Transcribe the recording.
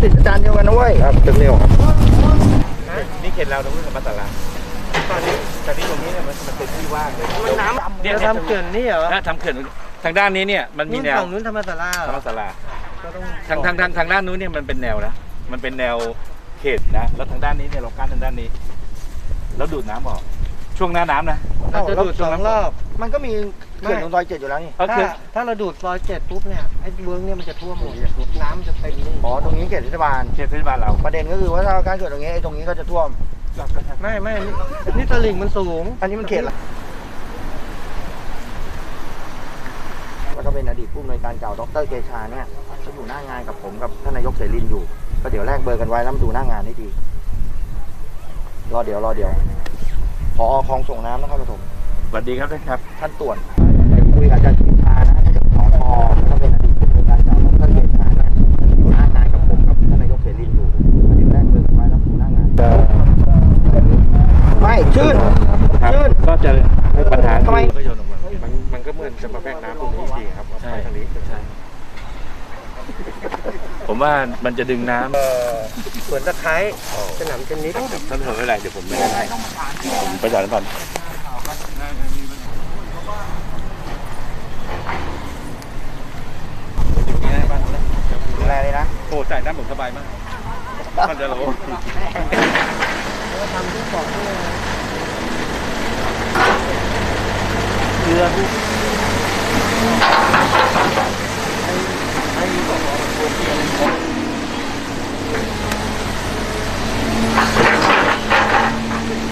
ติดอาจารย์เดียวกันนะเว้ยครับตึกเดียวครับนี่เขตเราตรงนี้กับมัตตาลาตอนนี้ตรงนี้เนี่ยมันเป็นที่ว่างเลยมันน้ำเนี่ยทำเขื่อนนี่เหรอทำเขื่อนทางด้านนี้เนี่ยมันมีแนวฝั่งนู้นธรรมศาลาทางด้านนู้นเนี่ยมันเป็นแนวนะมันเป็นแนวเขตนะแล้วทางด้านนี้เนี่ยเรากั้นทางด้านนี้แล้วดูดน้ำออกช่วงหน้าน้ำนะเราจะดูด2 รอบมันก็มีเขื่อนตรงซอย7อยู่แล้วนี่ถ้าเราดูดซอย7ปุ๊บเนี่ยไอ้เวิร์กเนี่ยมันจะท่วมหมดน้ำจะเต็มนี่อ๋อตรงนี้เขตเทศบาลเราประเด็นก็คือว่าถ้าการเกิดตรงนี้ไอ้ตรงนี้ก็จะท่วมไม่นี่ตลิ่งมันสูงอันนี้มันเขตละก็เป็นอดีตผู้อำนวยการเก่าดร.เกชาเนี่ยเขาอยู่หน้างานกับผมกับท่านนายกเสรีอยู่ก็เดี๋ยวแลกเบอร์กันไว้แล้วมาดูหน้างานให้ดีรอเดี๋ยวผอ.คลองส่งน้ำนครปฐมสวัสดีครับท่านครับท่านตรวจคุยกับอาจารย์กิชานะท่านผอ.ก็เป็นอดีตผู้อำนวยการเก่าดร.เกชาเนี่ยอยู่หน้างานกับผมกับท่านนายกเสรีอยู่เดี๋ยวแลกเบอร์กันไว้แล้วมาดูหน้างานไม่ชื่นก็จะปัญหาทำไมมันก็เหมือนจะมาแพร่น้ำตรงนี้จริงครับใช่ทางนี้ใช่ผมว่ามันจะดึงน้ำสวนตะไคร้สนามเทนนิสท่านเถอะไม่ไรเดี๋ยวผมไม่ได้ผมประชาสัมพันธ์ดูแลเลยนะโอ้จ่ายน้ำผมสบายมากมันจะรู้ทำทุกบอกด้วยเรือ